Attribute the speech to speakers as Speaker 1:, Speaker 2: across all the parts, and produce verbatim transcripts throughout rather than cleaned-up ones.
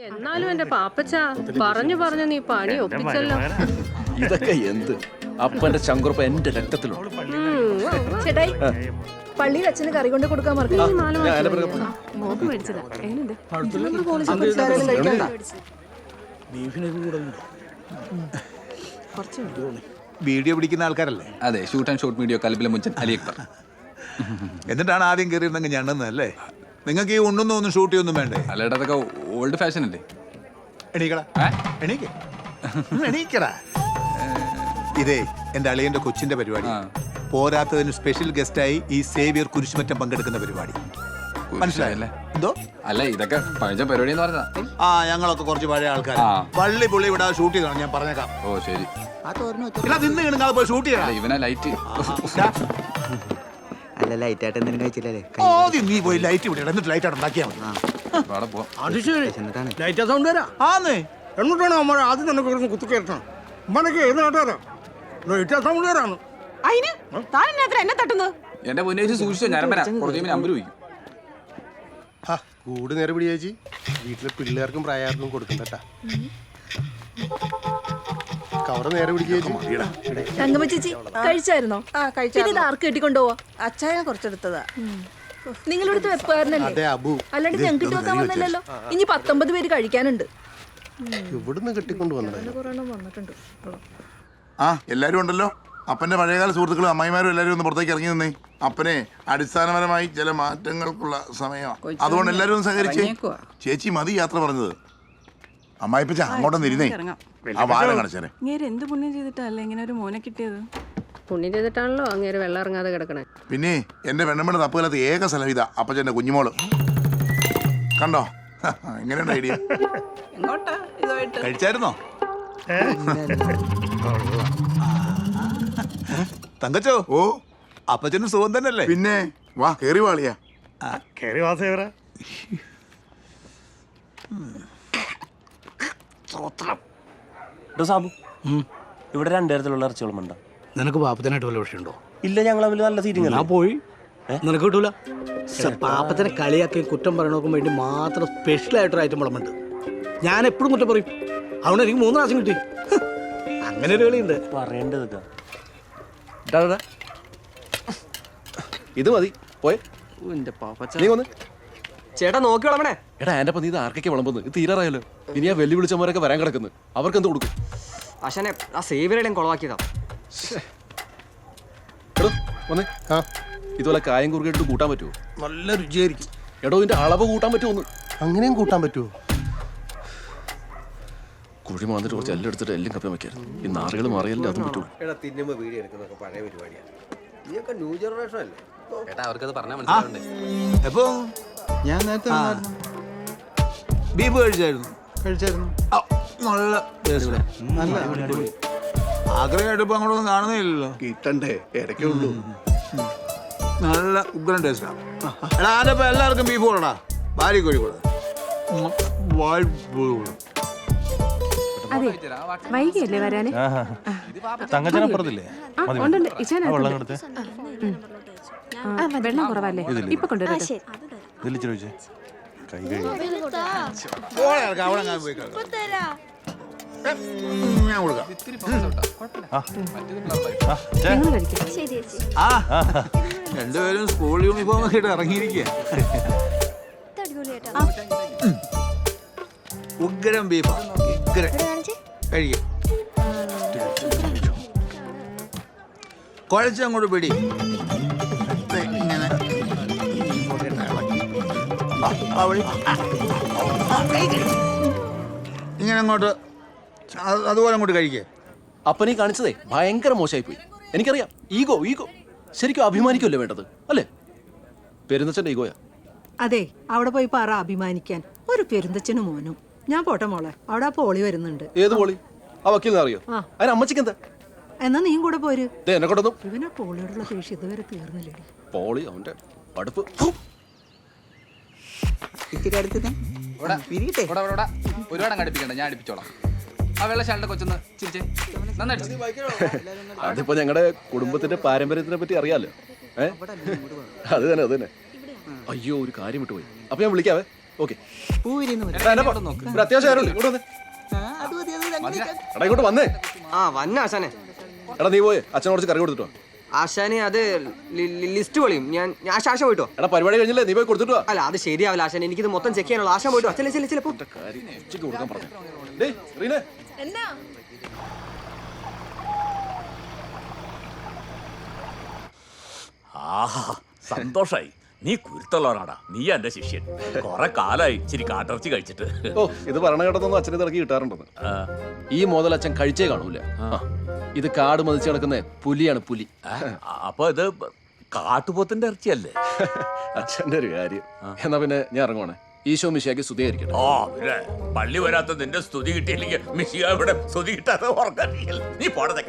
Speaker 1: എന്നാലും എന്റെ പാപ്പച്ച പറഞ്ഞു പറഞ്ഞു നീ പണി ഒപ്പിച്ചല്ലോ.
Speaker 2: ഇതൊക്കെ എന്ത് അപ്പന്റെ ചങ്കുറപ്പ് എന്റെ രക്തത്തിലുണ്ട്.
Speaker 3: ചേട്ടായി പള്ളിയിൽ അച്ഛന് കറി കൊണ്ട് കൊടുക്കാൻ മറക്കല്ലേ.
Speaker 1: മോക്ക് മേടിച്ചതാ. എങ്ങനെയുണ്ട്?
Speaker 4: വീഡിയോ പിടിക്കുന്ന ആൾക്കാരല്ലേ?
Speaker 5: അതെ, ഷൂട്ട് ആൻഡ് ഷോട്ട് വീഡിയോ കലബിലെ മുഞ്ചൻ അലി അക്ബർ.
Speaker 4: എന്നിട്ടാണ് ആദ്യം കയറിയിരുന്നെങ്കിൽ ഞണ്ടെന്നല്ലേ? നിങ്ങൾക്ക് ഈ ഉണ്ണൊന്നും ഒന്നും ഷൂട്ട് ചെയ്യൊന്നും വേണ്ടേ?
Speaker 5: അല്ലേട്ടാ, അതൊക്കെ ഓൾഡ് ഫാഷൻ അല്ലേ?
Speaker 4: എണീക്കടാ, എണീക്ക്, എണീക്കടാ. ഇതേ എന്റെ അളിയന്റെ കൊച്ചിന്റെ പരിപാടി. പോരാത്തതിന് സ്പെഷ്യൽ ഗസ്റ്റായി ഈ സേവിയർ കുരിശുമറ്റം പങ്കെടുക്കുന്ന പരിപാടി. മനസ്സിലായല്ലേ? എന്തോ
Speaker 5: അല്ല, ഇതൊക്കെ പഴയ പരിപാടി എന്ന് പറഞ്ഞതാ.
Speaker 4: ആ, ഞങ്ങളൊക്കെ കുറച്ച് പഴയ ആൾക്കാർ. പള്ളി പുള്ളി ഇവിടെ ഷൂട്ട് ചെയ്തോ, ഞാൻ പറഞ്ഞേക്കാം.
Speaker 5: ഓ ശരി.
Speaker 4: നിന്ന് കിണങ്ങാതെ പോയി ഷൂട്ട് ചെയ്യണം.
Speaker 5: ഇവനാ ലൈറ്റ്.
Speaker 6: അല്ല, ലൈറ്റ് ആയിട്ട് എന്തെങ്കിലും കഴിച്ചില്ലേ?
Speaker 4: ആദ്യം നീ പോയി ലൈറ്റ് ഇവിടെ എന്നിട്ട് ലൈറ്റ് ആയിട്ട് ഉണ്ടാക്കിയാൽ മതി.
Speaker 7: എന്നിട്ടാണ് അമ്മ ആദ്യം തന്നെ കുത്തി കയറ്റണം. ഉമ്മനൊക്കെ ഏത് നാട്ടുകാരാ? ലൈറ്റ് സൗണ്ട് വരാണ്.
Speaker 1: എന്നെ തട്ടുന്നത്
Speaker 5: എന്റെ മുന്നേച്ച് സൂക്ഷിച്ചോ, ഞാൻ കുറച്ച് നമ്പർ ചോദിക്കും.
Speaker 7: കൂട് നേരെ പിടി ചേച്ചി. വീട്ടിലെ പിള്ളേർക്കും പ്രായാർക്കും കൊടുക്കണ്ടട്ടാ. കവറ് നേരെ പിടിക്കുക.
Speaker 3: തങ്കമ്മ ചേച്ചി കഴിച്ചായിരുന്നോ?
Speaker 8: ആ കഴിച്ചു.
Speaker 3: പിന്നെ ഇത് ആർക്ക് കെട്ടിക്കൊണ്ടുപോവാ?
Speaker 8: അച്ചായ കുറച്ചെടുത്തതാ.
Speaker 3: നിങ്ങളെടുത്ത് വെപ്പായിരുന്നല്ലേ? അല്ലാണ്ട് ഞങ്ങൾക്ക് വെക്കാൻ വന്നില്ലല്ലോ. ഇനി പത്തൊമ്പത് പേര് കഴിക്കാനുണ്ട്.
Speaker 7: ഇവിടുന്ന് കെട്ടിക്കൊണ്ട് വന്നത്
Speaker 3: വന്നിട്ടുണ്ട്.
Speaker 9: ആ, എല്ലാരും ഉണ്ടല്ലോ. അപ്പന്റെ പഴയകാല സുഹൃത്തുക്കളും അമ്മായിമാരും എല്ലാരും ഒന്ന് പുറത്തേക്ക് ഇറങ്ങി നിന്നേ. അപ്പനെ അടിസ്ഥാനപരമായി ചില മാറ്റങ്ങൾക്കുള്ള സമയമാണ്. അതുകൊണ്ട് എല്ലാരും ഒന്ന് സഹകരിച്ചേ. ചേച്ചി മതി യാത്ര പറഞ്ഞത്. അമ്മായിപ്പച്ച അങ്ങോട്ടൊന്ന് ഇരുന്നേ. ആ വാരം കാണിച്ചേരെ.
Speaker 8: എന്ത് പുണ്യം ചെയ്തിട്ടല്ലേ ഇങ്ങനെ ഒരു മോനെ കിട്ടിയത്?
Speaker 1: പുണ്യം ചെയ്തിട്ടാണല്ലോ അങ്ങേര് വെള്ളം ഇറങ്ങാതെ കിടക്കണേ.
Speaker 9: പിന്നെ എന്റെ പെണ്ണമ്മയുടെ തപ്പുകാലത്ത് ഏക സ്ഥലം ഇതാ അപ്പച്ചന്റെ കുഞ്ഞുമോള്. കണ്ടോ എങ്ങനെയുണ്ട് ഐഡിയ?
Speaker 4: കഴിച്ചായിരുന്നോ? തങ്കച്ചോ,
Speaker 9: ഓ
Speaker 4: അപ്പച്ചനും സുഖം തന്നെയല്ലേ?
Speaker 9: പിന്നെ വാ കേറി വാളിയാ.
Speaker 7: കേറി വാസേവര.
Speaker 2: സാബു, ഇവിടെ രണ്ടുതരത്തിലുള്ള ഇറച്ചികളുമുണ്ടോ?
Speaker 7: നിനക്ക് പാപ്പത്തിനായിട്ട് വല്ല വിഷയമുണ്ടോ?
Speaker 2: ഇല്ല, ഞങ്ങൾ തമ്മിൽ നല്ല സീറ്റിംഗ്.
Speaker 7: ഞാൻ പോയി. നിനക്ക് കിട്ടൂല. പാപ്പത്തിനെ കളിയാക്കുകയും കുറ്റം പറയണോക്കും വേണ്ടി മാത്രം സ്പെഷ്യൽ ആയിട്ടൊരു ഐറ്റം വിളമ്പുണ്ട്. ഞാൻ എപ്പോഴും കുറ്റം പറയും. അതുകൊണ്ട് എനിക്ക് മൂന്ന് പ്രാവശ്യം കിട്ടി. അങ്ങനെ ഒരു കളിയുണ്ട്.
Speaker 2: പറയേണ്ടത്
Speaker 10: ഇത് മതി. പോയെ
Speaker 2: ചേട്ടാ, നോക്കി വിളമ്പണേ. എടാ, എന്റെ നീ ഇത് ആർക്കൊക്കെ വിളമ്പുന്നത്? ഇത് തീരാറായല്ലോ. ഇനി ആ വെല്ലു വിളിച്ചവരൊക്കെ വരാൻ കിടക്കുന്നു. അവർക്ക് എന്ത് കൊടുക്കും?
Speaker 6: അശനെ ആ സേവിയറേയും കൊളവാക്കിയതാ.
Speaker 2: എടോ വന്നേ. ആ, ഇതുപോലെ കായം കുറുകിട്ട് കൂട്ടാൻ പറ്റുമോ?
Speaker 7: നല്ല രുചിയായിരിക്കും.
Speaker 2: എടോ, ഇതിന്റെ അളവ് കൂട്ടാൻ പറ്റുമോ?
Speaker 7: അങ്ങനെയും കൂട്ടാൻ പറ്റുമോ?
Speaker 2: കുഴി മാന്നിട്ട് കുറച്ച് എല്ലാം എടുത്തിട്ട് എല്ലാം കപ്പി വയ്ക്കായിരുന്നു. ഈ നാറുകൾ മാറിയല്ലേ അതും പറ്റുള്ളൂ.
Speaker 4: എപ്പോ
Speaker 6: ഞാൻ നേരത്തെ
Speaker 4: ബീഫ് കഴിച്ചായിരുന്നു?
Speaker 6: കഴിച്ചായിരുന്നു.
Speaker 4: നല്ല ആഗ്രഹമായിട്ട് ഇപ്പൊ അങ്ങോട്ടൊന്നും കാണുന്നില്ലല്ലോ.
Speaker 7: കിട്ടണ്ടേ, ഇടയ്ക്കേ ഉള്ളൂ.
Speaker 4: നല്ല ഉഗ്രൻ ടേസ്റ്റാ. എടാ, ആരപ്പോ എല്ലാവർക്കും ബീഫ് കൊടുടാ. ഭാര്യ കോഴി കൊടു.
Speaker 1: അതെ, വൈകിയല്ലേ വരാന്?
Speaker 10: തങ്കച്ചനപ്പുറത്തില്ലേ?
Speaker 1: വെള്ളം കുറവല്ലേ? ഇപ്പൊ കൊണ്ടുവരാം.
Speaker 10: കൈ കഴിയും.
Speaker 4: ഞാൻ കൊടുക്കാം. ആ, രണ്ടുപേരും സ്കൂൾ യൂണിഫോം ഒക്കെ ഇട്ട് ഇറങ്ങിയിരിക്കുക. ഉഗ്രം ബീഫാ, ഉഗ്രം. കഴിക്കും. കുഴച്ചങ്ങോട്ട് പിടി. ഇങ്ങനെ ഇങ്ങനെ അങ്ങോട്ട് അതുപോലെ അങ്ങോട്ട് കഴിക്കേ.
Speaker 2: അപ്പനീ കാണിച്ചതേ ഭയങ്കര മോശമായി പോയി. എനിക്കറിയാം. ഈഗോ ഈഗോ ശരിക്കും അഭിമാനിക്കുമല്ലേ വേണ്ടത്, അല്ലേ? പെരുന്തച്ഛന്റെ ഈഗോയാ.
Speaker 8: അതെ, അവിടെ പോയി പറ അഭിമാനിക്കാൻ. ഒരു പെരുന്തച്ഛനും മോനും. ഞാൻ പോട്ടെ മോളെ, അവിടെ ആ പോളി വരുന്നുണ്ട്.
Speaker 2: ഏത് പോളി? ആ വക്കീലിനെ അറിയോ? അതിന് അമ്മച്ചിക്ക് എന്താ?
Speaker 8: എന്നാ നീയും കൂടെ പോര്.
Speaker 2: എന്നെ കൊണ്ടൊന്നും
Speaker 8: ഇവനാ പോളിയോടുള്ള ദേഷ്യം ഇതുവരെ തീർന്നില്ലേ?
Speaker 2: പോളി അവന്റെ അടുപ്പ്.
Speaker 5: ഒരുപാട് അങ്ങ് അടുപ്പിക്കണ്ട, ഞാൻ അടുപ്പിച്ചോളാം. ആ വെള്ളശാലിന്റെ കൊച്ചൊന്ന് ചിരിച്ചേ.
Speaker 2: അതിപ്പോ ഞങ്ങളുടെ കുടുംബത്തിന്റെ പാരമ്പര്യത്തിനെ പറ്റി അറിയാലോ. ഏ അത് തന്നെ അത് തന്നെ. അയ്യോ, ഒരു കാര്യം വിട്ടുപോയി. അപ്പൊ ഞാൻ വിളിക്കാവേ. ഓക്കെ ഒരു അത്യാവശ്യം കാര്യമുണ്ട് ഇങ്ങോട്ട് വന്നേ എടാ ഇങ്ങോട്ട് വന്നേ
Speaker 6: ആ വന്ന ആശാനെ.
Speaker 2: എടാ നീ പോയി അച്ഛനോട് കുറച്ച് കറി കൊടുത്തിട്ടോ.
Speaker 6: ആശാനെ അത് ലിസ്റ്റ് പൊളിയും. ഞാൻ ഞാൻ ആശ പോയിട്ടോ.
Speaker 2: എടാ പരിപാടി കഴിഞ്ഞില്ലേ നീ പോയി കൊടുത്തിട്ടോ.
Speaker 6: അല്ല അത് ശരിയാവില്ല ആശാനെ, എനിക്കിത് മൊത്തം ചെക്ക് ചെയ്യാനുള്ള. ആശാൻ പോയിട്ടോ. ചില ചില ചിലപ്പോ
Speaker 2: കാര്യം ഉച്ചയ്ക്ക് കൊടുക്കാൻ പറഞ്ഞു. ഡേയ് റീനെ
Speaker 3: എന്നാ
Speaker 11: ആഹാ സന്തോഷായി. നീ കുരുത്തുള്ളവനാടാ. നീ എന്റെ ശിഷ്യൻ. കൊറേ കാലായി ഇച്ചിരി കാട്ടിറച്ചി കഴിച്ചിട്ട്.
Speaker 2: ഓ ഇത് ഭരണഘടനൊന്നും അച്ഛനെ തിറക്കി കിട്ടാറുണ്ടെന്ന്. ഈ മോതൽ അച്ഛൻ കഴിച്ചേ കാണൂല. ഇത് കാട് മതിച്ച് കിടക്കുന്ന പുലിയാണ് പുലി.
Speaker 11: അപ്പൊ ഇത് കാട്ടുപോത്തിന്റെ ഇറച്ചിയല്ലേ?
Speaker 2: അച്ഛന്റെ ഒരു കാര്യം. എന്നാ പിന്നെ ഞാൻ ഇറങ്ങുവാണേ. ഈശോ മിശിയാക്കി സ്തുതിയായിരിക്കട്ടെ.
Speaker 11: ഓ പിന്നെ പള്ളി വരാത്ത നിന്റെ സ്തുതി കിട്ടിയില്ലെങ്കിൽ മിശിക ഇവിടെ സ്തുതി കിട്ടാതെ ഉറങ്ങില്ല. നീ പോടത്തേക്ക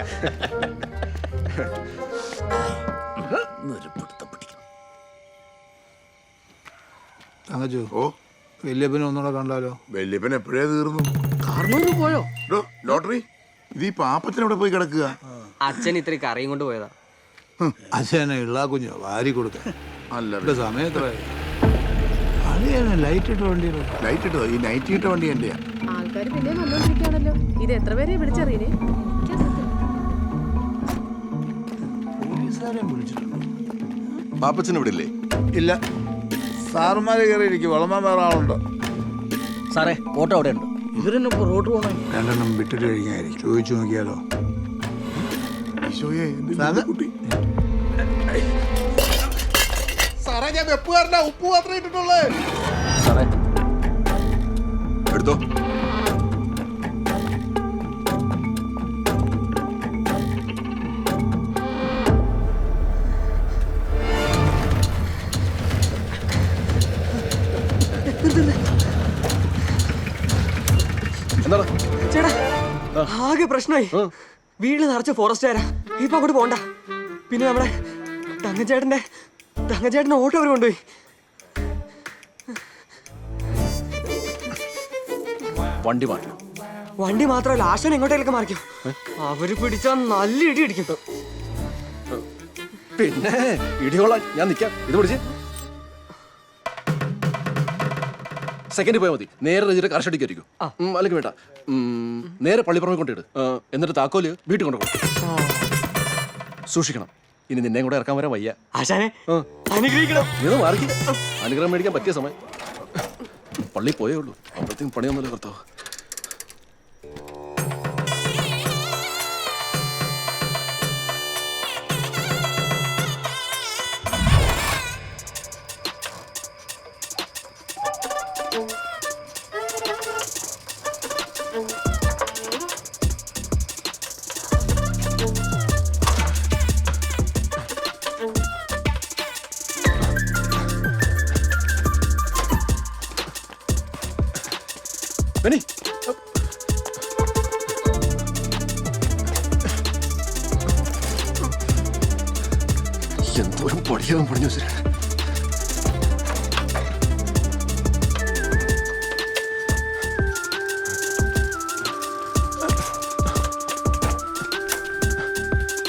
Speaker 4: തങ്കച്ചു ഓ വല്യപ്പനെ ഒന്നുകൂടെ കണ്ടാലോ?
Speaker 9: വല്യപ്പൻ എപ്പോഴേ തീർന്നു.
Speaker 7: കാർന്നൂര് പോയോ?
Speaker 9: ഡോ, ലോട്ടറി ഇത് ഈ പാപ്പത്തിന് ഇവിടെ പോയി കിടക്കുക.
Speaker 6: അച്ഛൻ ഇത്രയും കറിയും കൊണ്ട് പോയതാ.
Speaker 4: അച്ഛനെ ഇള്ളാ കുഞ്ഞോ വാരി കൊടുക്കാൻ
Speaker 9: അല്ല
Speaker 4: ഇവിടെ സമയത്ര ലൈറ്റ് ഇട്ട വണ്ടി
Speaker 9: ലൈറ്റ് ഇട്ടോ? ഈ നൈറ്റ് ഇട്ട വണ്ടി എന്റെയാ.
Speaker 1: ആൾക്കാർ പിന്നെ വന്നോണ്ടിരിക്കുകയാണല്ലോ. ഇത് എത്ര പേരെ വിളിച്ചറിയേ?
Speaker 4: പോലീസുകാരെയും വിളിച്ചിട്ടുണ്ടോ?
Speaker 10: പാപ്പച്ചൻ ഇവിടെ ഇല്ലേ?
Speaker 4: ഇല്ല, സാറുമാര് കയറി ഇരിക്കും. വളമാൻ വേറെ ആളുണ്ടോ?
Speaker 7: സാറേ ഓട്ടോ അവിടെ ഉണ്ട്. ഇവരെന്നെ ഇപ്പൊ റോഡ് പോകണേ.
Speaker 4: രണ്ടെണ്ണം വിട്ടിട്ട് കഴിക്കായിരിക്കും. ചോദിച്ചു നോക്കിയാലോ?
Speaker 9: ഈശോയെ, എന്ത് കുട്ടി.
Speaker 10: സാറേ ഞാൻ വെപ്പുകാരനാ, ഉപ്പ് മാത്രമേ ഇട്ടിട്ടുള്ളേ.
Speaker 2: സാറേ
Speaker 10: എടുത്തോ.
Speaker 2: എന്താണ്
Speaker 6: ചേട്ടാ ആകെ പ്രശ്നമായി. വീട്ടിൽ നിറച്ച ഫോറസ്റ്റുകാരാ. ഇപ്പൊ അങ്ങോട്ട് പോണ്ട. പിന്നെ നമ്മുടെ തങ്കച്ചേട്ടന്റെ തങ്കച്ചേട്ടന്റെ ഓട്ടോ അവർ കൊണ്ടുപോയി.
Speaker 2: വണ്ടി മാറ്റി.
Speaker 6: വണ്ടി മാത്രമല്ല ആശാൻ എങ്ങോട്ടേലൊക്കെ മാറിക്കും. അവര് പിടിച്ചാൽ നല്ല ഇടി ഇടിക്കും.
Speaker 2: പിന്നെ ഇടിയോളാം ഞാൻ നിൽക്കാം. ഇത് പിടിച്ച് സെക്കൻഡ് പോയാൽ മതി. നേരെ രജിയുടെ കർഷടിക്കായിരിക്കും. അല്ലെങ്കിൽ വേണ്ട, നേരെ പള്ളിപ്പുറമെ കൊണ്ടിട്ട് എന്നിട്ട് താക്കോല് വീട്ടിൽ കൊണ്ടുപോകും. സൂക്ഷിക്കണം. ഇനി നിന്നെ കൂടെ ഇറക്കാൻ വരാൻ വയ്യ.
Speaker 6: ആശാനെ അനുഗ്രഹിക്കണം.
Speaker 2: ഇത് മാറിക്ക്. അനുഗ്രഹം മേടിക്കാൻ പറ്റിയ സമയം. പള്ളി പോയേ ഉള്ളൂ. അപ്പോഴത്തേക്കും പണിയൊന്നുമില്ല കർത്താവ്. ബെന്നി, എന്തോരം പടിയാകും പണിഞ്ഞു വെച്ചിട്ട്.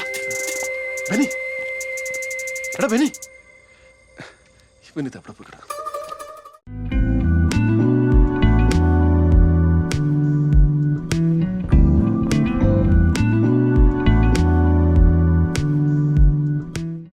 Speaker 2: ബെന്നി, എടാ ബെന്നി, ഇവനിത് എവിടെ പോയി കിടക്കും?